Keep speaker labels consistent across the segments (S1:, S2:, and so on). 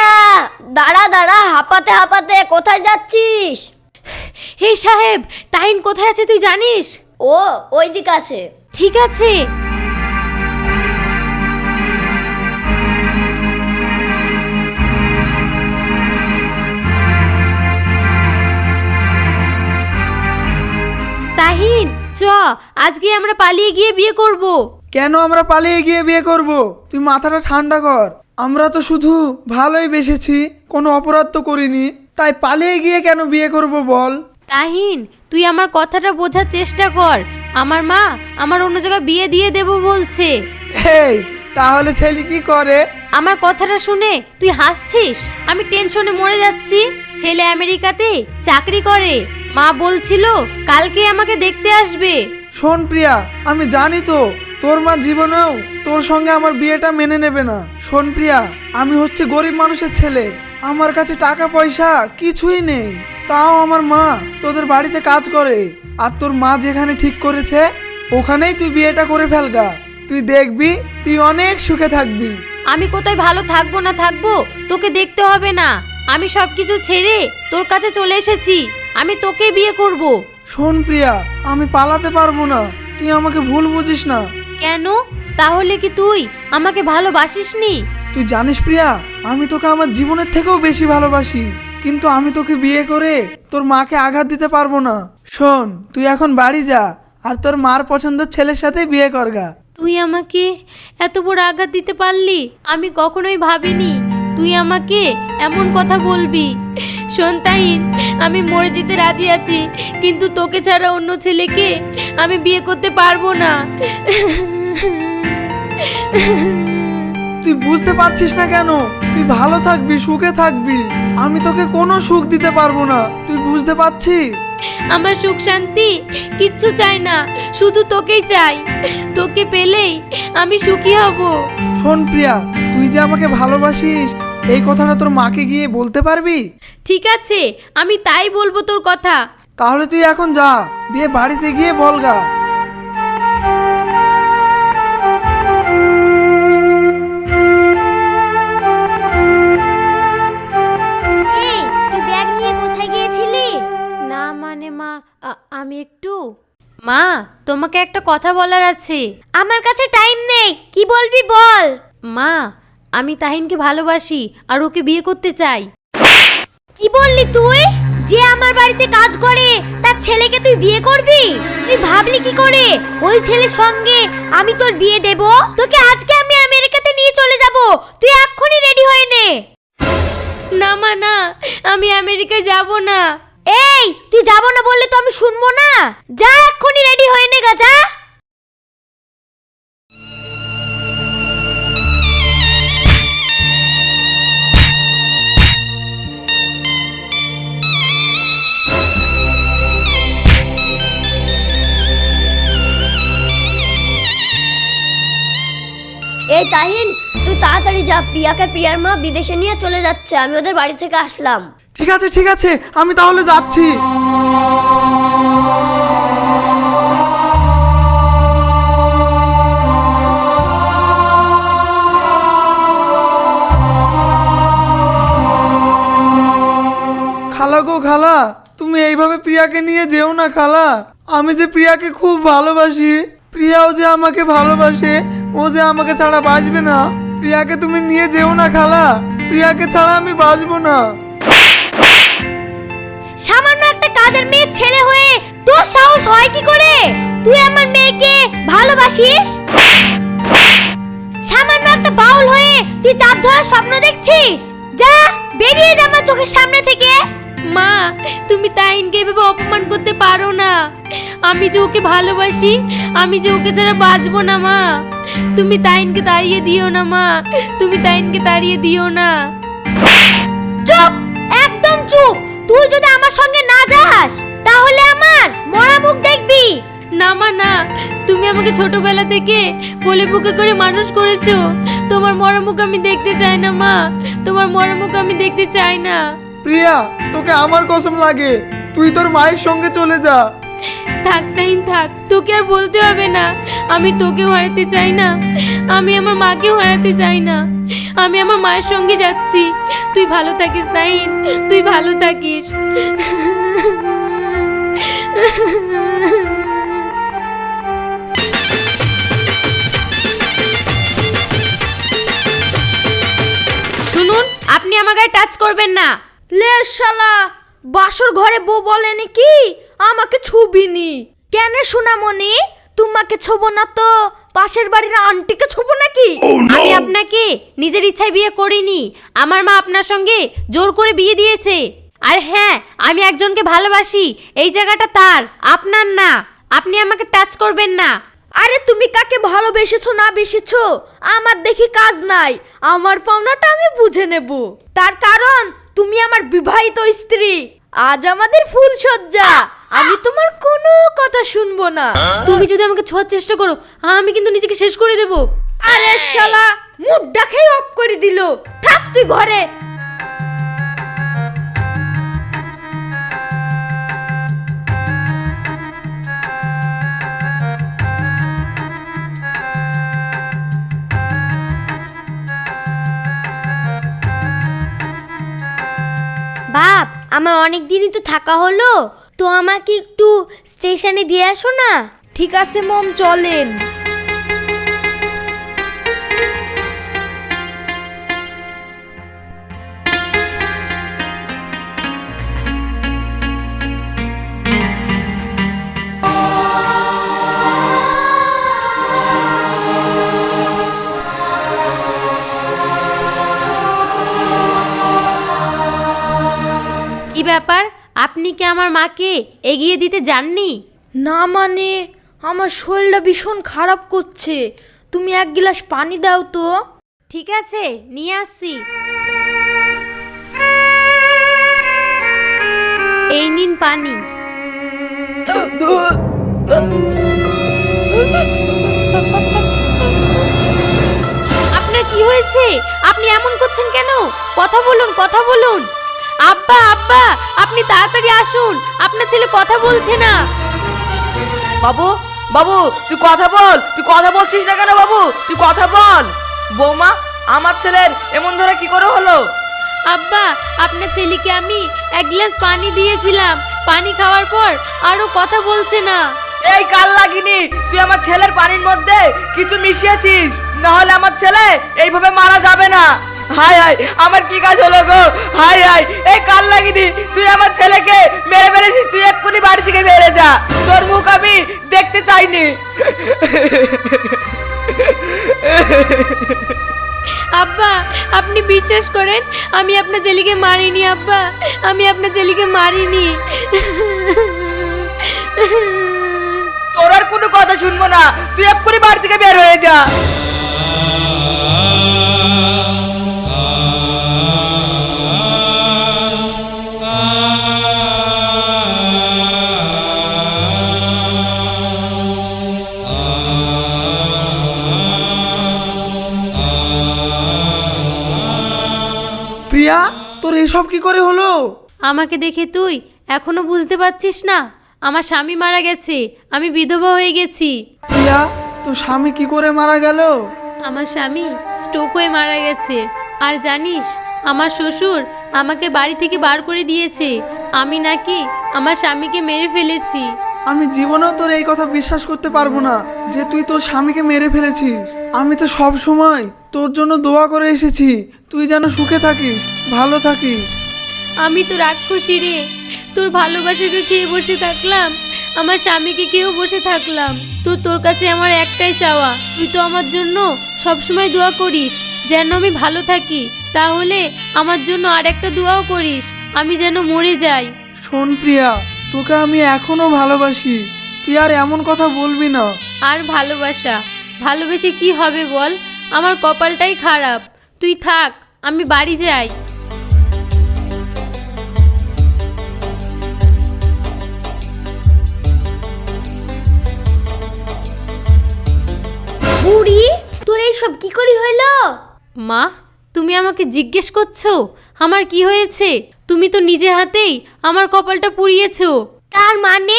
S1: দাঁড়া দাঁড়া, হাঁপাতে হাঁপাতে কোথায় যাচ্ছিস?
S2: হে সাহেব, তাহিন কোথায় আছে তুই জানিস?
S1: ও ওই দিক আছে।
S2: ঠিক আছে। তাহিন চ, আজকে আমরা পালিয়ে গিয়ে বিয়ে করব।
S3: কেন আমরা পালিয়ে গিয়ে বিয়ে করব? তুই মাথাটা ঠান্ডা কর। আমরা তো শুধু ভালোই বেসেছি, কোনো অপরাধ তো করিনি, তাই পালিয়ে গিয়ে কেন বিয়ে করব বল?
S2: তাহিন, তুই আমার কথাটা বোঝার চেষ্টা কর। আমার মা আমার অন্য জায়গায় বিয়ে দিয়ে দেব বলছে।
S3: এই তাহলে ছেলে কি করে?
S2: আমার কথাটা শুনে তুই হাসছিস? আমি টেনশনে মরে যাচ্ছি। ছেলে আমেরিকাতে চাকরি করে, মা বলছিল কালকে আমাকে দেখতে আসবে।
S3: শোন প্রিয়া, আমি জানি তো তোর মা জীবনেও তোর সঙ্গে আমার বিয়েটা মেনে নেবে না। শোন প্রিয়া, আমি হচ্ছে গরিব মানুষের ছেলে, আমার কাছে টাকা পয়সা কিছুই নেই, তাও আমার মা তোদের বাড়িতে কাজ করে। আর তোর মা যেখানে ঠিক করেছে ওখানেই তুই বিয়েটা করে ফেলগা। তুই দেখবি তুই অনেক সুখে থাকবি।
S2: আমি কোথায় ভালো থাকবো না থাকবো তোকে দেখতে হবে না। আমি সবকিছু ছেড়ে তোর কাছে চলে এসেছি। আমি তোকে বিয়ে করব।
S3: শোন প্রিয়া, আমি পালাতে পারবো না, তুই আমাকে ভুল বুঝিস না।
S2: কেন? তাহলে কি তুই আমাকে ভালোবাসিসনি?
S3: তুই জানিস প্রিয়া, আমি তোকে আমার জীবনের থেকেও বেশি ভালোবাসি, কিন্তু আমি তোকে বিয়ে করে তোর মাকে আঘাত দিতে পারবো না। শোন, তুই এখন বাড়ি যা আর তোর মার পছন্দের ছেলের সাথে বিয়ে করগা।
S2: তুই আমাকে এত বড় আঘাত দিতে পারলি? আমি কখনোই ভাবিনি তুই আমাকে এমন কথা বলবি। শোন তাহিন, আমি মরে যেতে রাজি আছি, কিন্তু তোকে ছাড়া অন্য ছেলেকে আমি বিয়ে করতে পারবো না।
S3: তুই বুঝতে পারছিস না কেন? তুই ভালো থাকবি, সুখে থাকবি, আমি তোকে কোনো সুখ দিতে পারবো না, তুই বুঝতে পারছিস?
S2: আমার সুখ শান্তি কিচ্ছু চাই না, শুধু তোকেই চাই। তোকে পেলেই আমি সুখী হব।
S3: শোন প্রিয়া, তুই যে আমাকে ভালোবাসিস এই কথাটা তোর মাকে গিয়ে বলতে পারবি?
S2: ঠিক আছে, আমি তাই বলবো তোর কথা।
S3: তাহলে তুই এখন যা, দিয়ে বাড়িতে গিয়ে বলগা।
S1: এই তুই ব্যাগ নিয়ে কোথায় গিয়েছিলি?
S2: না মানে মা, আমি একটু মা, তোমাকে একটা কথা বলার আছে।
S1: আমার কাছে টাইম নেই, কি বলবি বল।
S2: মা, আমি তাহিনকে ভালোবাসি আর ওকে বিয়ে করতে চাই।
S1: কি বললি তুই? যে আমার বাড়িতে কাজ করে তার ছেলেকে তুই বিয়ে করবি? তুই ভাবলি কি করে ওই ছেলের সঙ্গে আমি তোর বিয়ে দেব? তোকে আজকে আমি আমেরিকাতে নিয়ে চলে যাব, তুই এক্ষুনি রেডি হয়ে নে।
S2: না মা না, আমি আমেরিকায় যাব না।
S1: এই তুই যাব না বললে তো আমি শুনবো না। যা এক্ষুনি রেডি হয়ে নে গা, যা। এই তাহিন, তুই তাড়াতাড়ি যা, প্রিয়াকে প্রিয়ার মা বিদেশে নিয়ে চলে যাচ্ছে, আমি ওদের বাড়ি থেকে আসলাম।
S3: ঠিক আছে ঠিক আছে, আমি তাহলে যাচ্ছি। খালা গো খালা, তুমি এইভাবে প্রিয়াকে নিয়ে যেও না খালা। আমি যে প্রিয়াকে খুব ভালোবাসি, প্রিয়াও যে আমাকে ভালোবাসে, ও যে আমাকে ছাড়া বাঁচবে না। প্রিয়াকে তুমি নিয়ে যেও না খালা, প্রিয়াকে ছাড়া আমি বাঁচবো না।
S1: সামান্য একটা কাজের মেয়ের ছেলে হয়ে তোর সাহস হয় কি করে? তুই আমার মেয়েকে ভালোবাসিস? সামান্য একটা বাউল হয়ে তুই চাঁদ ধরার স্বপ্ন দেখছিস? যা বেরিয়ে যা আমার চোখের সামনে থেকে।
S2: মা, তুমি তাহিনকে এভাবে অপমান করতে পারো না। আমি যে ওকে ভালোবাসি, আমি যে ওকে ছাড়া বাঁচবো না। মা, তুমি তাহিনকে তাড়িয়ে দিও না। মা, তুমি তাহিনকে তাড়িয়ে দিও না।
S1: চুপ, একদম চুপ। তুই যদি আমার সঙ্গে না যাস তাহলে আমার মরা মুখ দেখবি।
S2: না মা না, তুমি আমাকে ছোটবেলা থেকে কোলে বুকে করে মানুষ করেছো। তোমার মরা মুখ আমি দেখতে চাই না মা, তোমার মরা মুখ আমি দেখতে চাই না।
S3: প্রিয়া, তোকে আমার কসম লাগে, তুই তোর মায়ের সঙ্গে চলে যা।
S2: থাক তাহিন থাক, তোকে আর বলতে হবে না। আমি তোকেও হারাতে চাই না, আমি আমার মাকেও হারাতে চাই না। আমি আমার মায়ের সঙ্গে যাচ্ছি, তুই তুই ভালো থাকিস নাহিন, তুই ভালো থাকিস। শুনুন, আপনি আমার গায়ে টাচ করবেন না।
S1: লে শালা, বাসর ঘরে বউ বলেনি কি আমাকে ছুবিনি? কেন সোনামণি, তোমাকে ছোবো না তো পাশের বাড়ির আন্টিকে ছোবো নাকি?
S2: আমি আপনাকে নিজের ইচ্ছায় বিয়ে করিনি, আমার মা আপনার সঙ্গে জোর করে বিয়ে দিয়েছে। আর হ্যাঁ, আমি একজনকে ভালোবাসি, এই জায়গাটা তার, আপনার না। আপনি আমাকে টাচ করবেন না।
S1: আরে তুমি কাকে ভালোবেসেছো না বেসেছো আমার দেখি কাজ নাই, আমার পাওনাটা আমি বুঝে নেব। তার কারণ তুমি আমার বিবাহিত স্ত্রী, আজ আমাদের ফুল সজ্জা, আমি তোমার কোনো কথা শুনবো না।
S2: তুমি যদি আমাকে ছোঁয়ার চেষ্টা করো, আমি কিন্তু নিজেকে শেষ করে দেব।
S1: আরে শালা, মুডটা খেয়ে অফ করে দিল। থাক তুই ঘরে। বাপ, আমার অনেক দিনই তো থাকা হলো, তো আমাকে একটু স্টেশনে দিয়ে আসো না। ঠিক আছে মম, চলেন।
S2: কি ব্যাপার, আপনি কি আমার মাকে এগিয়ে দিতে যাননি?
S1: না মানে, আমার শরীরটা ভীষণ খারাপ করছে, তুমি এক গ্লাস পানি দাও তো।
S2: ঠিক আছে, নিয়ে আসছি। এই নিন পানি। আপনার কি হয়েছে? আপনি এমন করছেন কেন? কথা বলুন, কথা বলুন। আব্বা, আব্বা, আপনি তাড়াতাড়ি আসুন, আপনার ছেলে কথা বলছে না।
S4: বাবু, বাবু, তুই কথা বল। তুই কথা বলছিস না কেন বাবু? তুই কথা বল। বৌমা, আমার ছেলের এমন ধরে কি করে হলো?
S2: আব্বা, আপনার ছেলেকে আমি এক গ্লাস পানি দিয়েছিলাম, পানি খাওয়ার পর আরো কথা বলছে না।
S4: এই কাল লাগিনি, তুই আমার ছেলের পানির মধ্যে কিছু মিশিয়েছিস, না হলে আমার ছেলে এইভাবে মারা যাবে না। হাই হাই, আমার কি কাজ হলো গো? হাই হাই, এই কাল লাগিনি, তুই আমার ছেলেকে মেরে ফেলেছিস। তুই এক্ষুনি বাড়ি থেকে বেরিয়ে যা, তোর মুখ আমি দেখতে চাইনি।
S2: আব্বা, আপনি বিশ্বাস করেন, আমি আপনার ছেলেকে মারিনি। আব্বা, আমি আপনার ছেলেকে মারিনি।
S4: তোর আর কোনো কথা শুনবো না, তুই এক্ষুনি বাড়ি থেকে বের হয়ে যা।
S3: প্রিয়া, তোর এসব কি করে হলো?
S2: আমাকে দেখে তুই এখনো বুঝতে পারছিস না? আমার স্বামী মারা গেছে, আমি বিধবা হয়ে গেছি।
S3: প্রিয়া, তোর স্বামী কি করে মারা গেল?
S2: আমার স্বামী স্ট্রোক হয়ে মারা গেছে। আর জানিস, আমার শ্বশুর আমাকে বাড়ি থেকে বার করে দিয়েছে, আমি নাকি আমার স্বামীকে মেরে ফেলেছি।
S3: আমি জীবনেও তোর এই কথা বিশ্বাস করতে পারবো না যে তুই তোর স্বামীকে মেরে ফেলেছিস। আমি তো সব সময় তোর জন্য দোয়া করে এসেছি, তুই যেন সুখে থাকিস, ভালো থাকিস।
S2: আমি তো রাক্ষসী রে, তোর ভালোবাসাকে খেয়ে বসে থাকলাম, আমার স্বামীকে খেয়েও বসে থাকলাম। তো তোর কাছে আমার একটাই চাওয়া, তুই তো আমার জন্য সবসময় দোয়া করিস যেন আমি ভালো থাকি, তাহলে আমার জন্য আর একটা দোয়াও করিস, আমি যেন মরে যাই।
S3: শোন প্রিয়া, তোকে আমি এখনো ভালোবাসি, তুই আর এমন কথা বলবি না।
S2: আর ভালোবাসা, ভালোবেসে কি হবে বল? আমার কপালটাই খারাপ। তুই থাক, আমি বাড়ি যাই।
S1: বুড়ি, তোর এইসব কি করে হইলো?
S2: মা, তুমি আমাকে জিজ্ঞেস করছো আমার কি হয়েছে? তুমি তো নিজে হাতেই আমার কপালটা পুড়িয়েছো।
S1: তার মানে?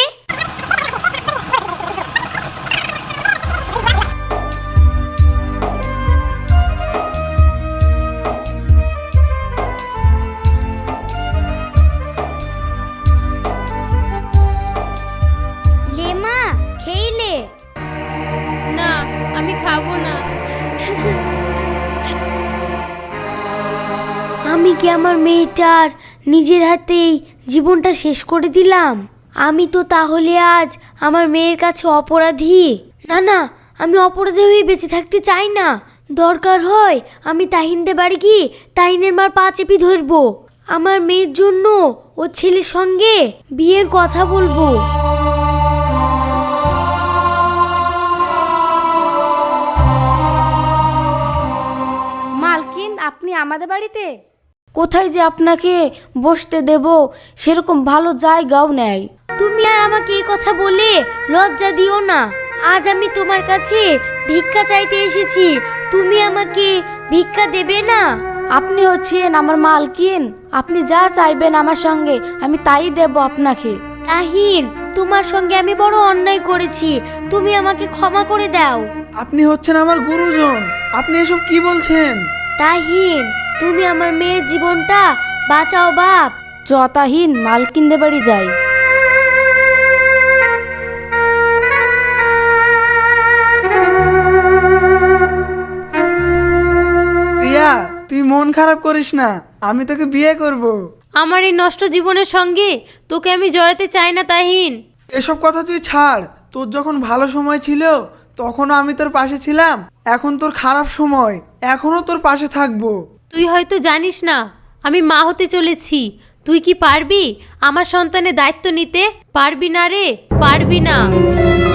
S2: খাবো না।
S1: আমি কি আমার মেয়েটার নিজের হাতেই জীবনটা শেষ করে দিলাম? আমি তো তাহলে আজ আমার মেয়ের কাছে অপরাধী। না না, আমি অপরাধী হয়ে বেঁচে থাকতে চাই না। দরকার হয় আমি তাহিনদের বাড়ি গিয়ে তাহিনের মার পা চেপে ধরবো। আমার মেয়ের জন্য ও ছেলের সঙ্গে বিয়ের কথা বলবো।
S2: মালকিন, আপনি আমাদের বাড়িতে? কোথায় যে আপনাকে বসতে দেব সেরকম ভালো জায়গাও নেই।
S1: তুমি আর আমাকে এই কথা বলে লজ্জা দিও না। আজ আমি তোমার কাছে ভিক্ষা চাইতে এসেছি, তুমি আমাকে ভিক্ষা দেবে না?
S2: আপনি হচ্ছেন আমার মালকিন, আপনি যা চাইবেন আমার সঙ্গে আমি তাই দেব আপনাকে।
S1: তাহিন, তোমার সঙ্গে আমি বড় অন্যায় করেছি, তুমি আমাকে ক্ষমা করে দাও।
S3: আপনি হচ্ছেন আমার গুরুজন, আপনি এসব কি বলছেন?
S1: তাহিন, তুমি আমার মেয়ের জীবনটা বাঁচাও বাপ।
S2: যতাহীন মালকিনদের বাড়ি যাই।
S3: প্রিয়া, তুই মন খারাপ করিস না, আমি তোকে বিয়ে করব।
S2: আমার এই নষ্ট জীবনের সঙ্গে তোকে আমি জড়াতে চাই না তাহিন।
S3: এসব কথা তুই ছাড়, তোর যখন ভালো সময় ছিল তখনও আমি তোর পাশে ছিলাম, এখন তোর খারাপ সময়, এখনো তোর পাশে থাকবো।
S2: তুই হয়তো জানিস না আমি মা হতে চলেছি। তুই কি পারবি আমার সন্তানের দায়িত্ব নিতে? পারবি না রে, পারবি না।